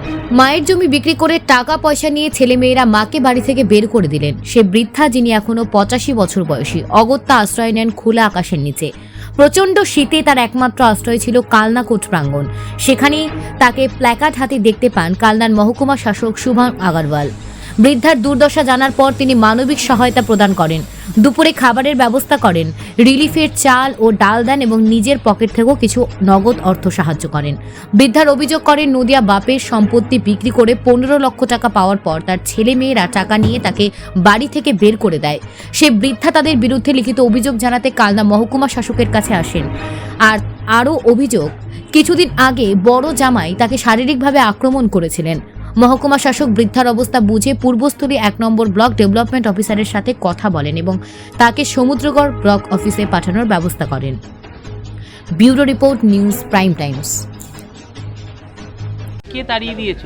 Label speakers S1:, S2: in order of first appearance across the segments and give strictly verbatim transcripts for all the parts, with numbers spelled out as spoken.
S1: মায়ের জমি বিক্রি করে টাকা পয়সা নিয়ে ছেলেমেয়েরা মাকে বাড়ি থেকে বের করে দিলেন। সে বৃদ্ধা যিনি এখনো পঁচাশি বছর বয়সী অগত্যা আশ্রয় নেন খোলা আকাশের নিচে। প্রচণ্ড শীতে তার একমাত্র আশ্রয় ছিল কালনা কোর্ট প্রাঙ্গণ। সেখানেই তাকে প্ল্যাকার্ড হাতে দেখতে পান কালনার মহকুমা শাসক শুভম আগরওয়াল। বৃদ্ধার দুর্দশা জানার পর তিনি মানবিক সহায়তা প্রদান করেন, দুপুরে খাবারের ব্যবস্থা করেন, রিলিফের চাল ও ডাল দেন এবং নিজের পকেট থেকেও কিছু নগদ অর্থ সাহায্য করেন। বৃদ্ধার অভিযোগ করেন নদিয়া বাপের সম্পত্তি বিক্রি করে পনেরো লক্ষ টাকা পাওয়ার পর তার ছেলে মেয়েরা টাকা নিয়ে তাকে বাড়ি থেকে বের করে দেয়। সে বৃদ্ধা তাদের বিরুদ্ধে লিখিত অভিযোগ জানাতে কালনা মহকুমা শাসকের কাছে আসেন। আর আরও অভিযোগ, কিছুদিন আগে বড় জামাই তাকে শারীরিকভাবে আক্রমণ করেছিলেন। মহকুমা শাসক বৃদ্ধার অবস্থা বুঝে পূর্বস্থলী এক নম্বর ব্লক ডেভেলপমেন্ট অফিসারের সাথে কথা বলেন এবং তাকে সমুদ্রগড় ব্লক অফিসে পাঠানোর ব্যবস্থা করেন। Bureau report, news prime times.
S2: কে তাড়িয়ে দিয়েছে?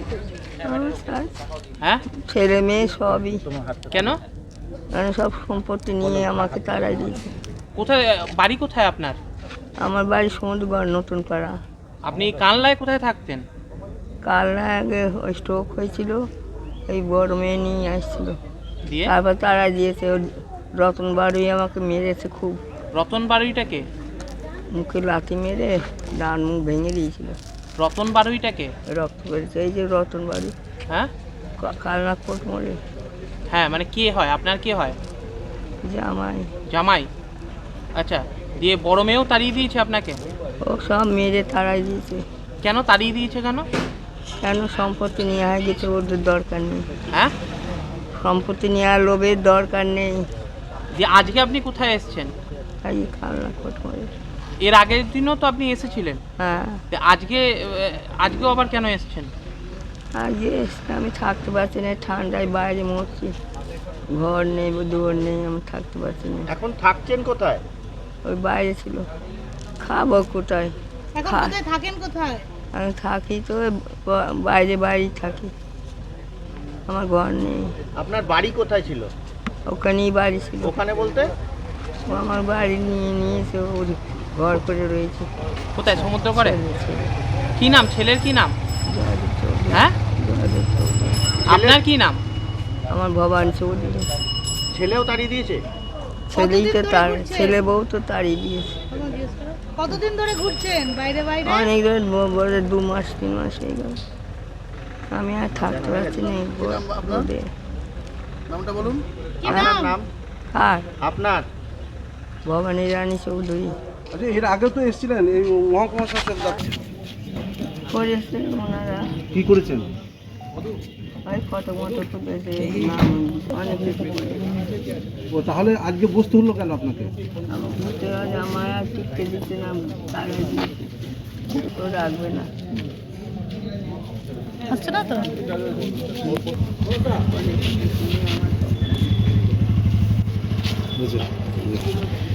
S2: হ্যাঁ,
S3: ছেলে মেয়ে সবই।
S2: কেন?
S3: মানে সব সম্পত্তি নিয়ে আমাকে তাড়াই দিয়েছে।
S2: কোথায় বাড়ি? কোথায় আপনার?
S3: আমার বাড়ি সমুদ্রগড় নতুন পাড়া।
S2: আপনি কানলায় কোথায় থাকতেন?
S3: কাল না আগে ওই স্ট্রোক হয়েছিল, এই বড় মেয়ে নিয়ে আসছিল,
S2: দিয়ে
S3: তারপর তাড়াই দিয়েছে। ওর রতন বাড়ি আমাকে মেরেছে খুব,
S2: রতন বাড়িটাকে?
S3: মুখে লাথি মেরে ডান মুখ ভেঙে দিয়েছিল।
S2: রতন বাড়িটাকে?
S3: রক্ত বেরিয়েছে, এই যে রতন বাড়ি।
S2: হ্যাঁ,
S3: কালনা কোর্ট মোড়ে।
S2: হ্যাঁ, মানে কে হয় আপনার? কে হয়?
S3: জামাই।
S2: জামাই? আচ্ছা, দিয়ে বড় মেয়েও তাড়িয়ে দিয়েছে আপনাকে?
S3: ও সব মেরে তাড়াই দিয়েছে।
S2: কেন তাড়িয়ে দিয়েছে? কেন?
S3: কেন? সম্পত্তি নিয়ে হয়ে গেছে, ওদের দরকার নেই।
S2: হ্যাঁ,
S3: সম্পত্তি নেওয়ার লোভের দরকার নেই।
S2: দিয়ে আজকে আপনি কোথায় এসেছেন?
S3: এই কালনা কোর্ট মোড়ে।
S2: এর আগের দিনও তো আপনি এসেছিলেন।
S3: হ্যাঁ,
S2: তো আজকে আজকেও আবার কেন এসেছেন?
S3: আজকে এসে আমি থাকতে পারছি না, ঠান্ডায় বাইরে মরছি, ঘর নেই, দুয়ার নেই, আমি থাকতে পারছি না।
S4: এখন থাকছেন কোথায়?
S3: ওই বাইরে ছিল। খাবো কোথায়?
S5: এখন
S3: খা-
S5: কোথায় থাকেন? কোথায়?
S3: আমি থাকি তো ওই ব- বাইরে বাইরেই থাকি, আমার ঘর নেই।
S4: আপনার বাড়ি কোথায় ছিল?
S3: ওখানেই বাড়ি ছিল।
S4: ওখানে বলতে?
S3: ও আমার বাড়ি নিয়ে নিয়েছে, ওর ঘর করে রয়েছে।
S2: কোথায়? সমুদ্র করে?
S3: ছেলে, ছেলে।
S2: কি নাম ছেলের? কি নাম?
S3: জয়দেব চৌধুরী।
S2: হ্যাঁ,
S3: জয়দেব চৌধুরী।
S2: আপনার কি নাম?
S3: আমার ভবান চৌধুরী।
S4: ছেলেও তাড়িয়ে দিয়েছে?
S3: ছেলেই তো
S5: কতদিন ধরে
S3: তার
S5: ঘুরছেন?
S3: ছেলে বউ তো তাড়িয়ে দিয়েছে।
S5: আমার জিজ্ঞেস করো। কতদিন ধরে ঘুরছেন বাইরে বাইরে?
S3: অনেক ধরে ব- বলে দু মাস তিন মাস হয়ে গেল, আমি আর থাকতে পারছি না এই ব- রোদে।
S4: নামটা বলুন।
S5: কি
S4: আপনার
S5: নাম?
S4: নাম?
S3: আর
S4: আপনার?
S3: ভবানী রানী চৌধুরী।
S6: আচ্ছা, এর আগে তো এসেছিলেন এই মহকুমা শাসক দপ্তরে।
S3: করেছেন ওনারা,
S6: কি করেছেন?
S3: ওই ফটো মতো তুলেছে, নাম অনেক কিছু করেছে।
S6: ও তাহলে আজকে বসতে হলো কেন আপনাকে?
S3: আমার ঘুরতে হয়, আমার আর টিকতে দিতে না, তারা দিয়েছে তো রাখবে না।
S5: হচ্ছে না তো?
S6: বুঝেছি।